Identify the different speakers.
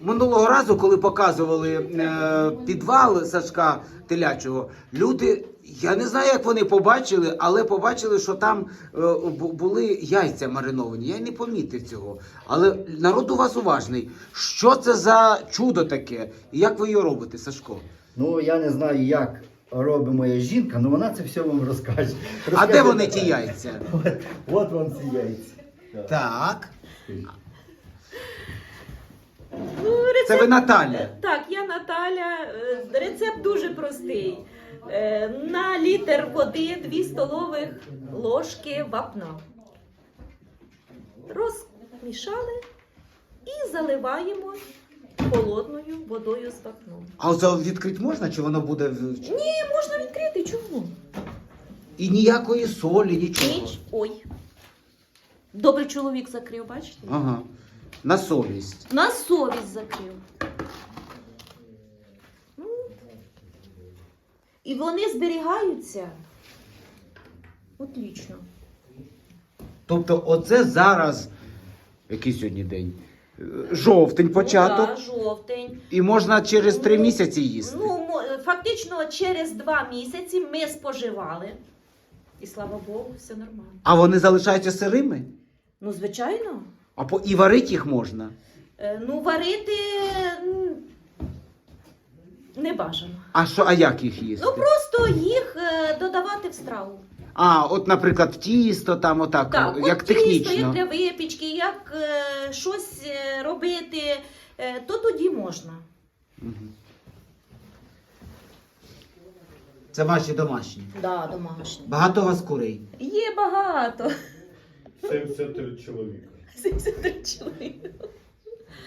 Speaker 1: Минулого разу, коли показували підвал Сашка Телячого, люди, я не знаю, як вони побачили, але побачили, що там були яйця мариновані. Я не помітив цього. Але народ у вас уважний. Що це за чудо таке? І як ви його робите, Сашко?
Speaker 2: Ну, я не знаю, як робить моя жінка, але вона це все вам розкаже.
Speaker 1: А де вони ті яйця?
Speaker 2: От вам ці яйця.
Speaker 1: Так.
Speaker 3: Ну, рецепт...
Speaker 1: Це ви Наталя?
Speaker 3: Так, я Наталя. Рецепт дуже простий. На літр води 2 столових ложки вапна. Розмішали і заливаємо холодною водою з вапном.
Speaker 1: А оце відкрити можна, чи воно буде...
Speaker 3: Ні, можна відкрити, чому?
Speaker 1: І ніякої солі, нічого?
Speaker 3: Ой. Добрий чоловік закрив, бачите?
Speaker 1: Ага. На совість.
Speaker 3: На совість закрив. І вони зберігаються. Отлично.
Speaker 1: Тобто оце зараз, який сьогодні день? Жовтень початок.
Speaker 3: Так, жовтень.
Speaker 1: І можна через 3 місяці їсти.
Speaker 3: Ну, фактично через 2 місяці ми споживали. І слава Богу, все нормально.
Speaker 1: А вони залишаються сирими?
Speaker 3: Ну, звичайно.
Speaker 1: І варити їх можна?
Speaker 3: Ну, варити не бажано.
Speaker 1: А як їх їсти?
Speaker 3: Ну, просто їх додавати в страву.
Speaker 1: От, наприклад, тісто там отак,
Speaker 3: Так,
Speaker 1: як
Speaker 3: от тісто,
Speaker 1: технічно.
Speaker 3: як для випічки, як щось робити, то тоді можна.
Speaker 1: Мгм. Це ваші домашні?
Speaker 3: Да, домашні.
Speaker 1: Багато у вас курей?
Speaker 3: Є багато.
Speaker 4: 73 чоловіка.
Speaker 3: 73 чоловіка.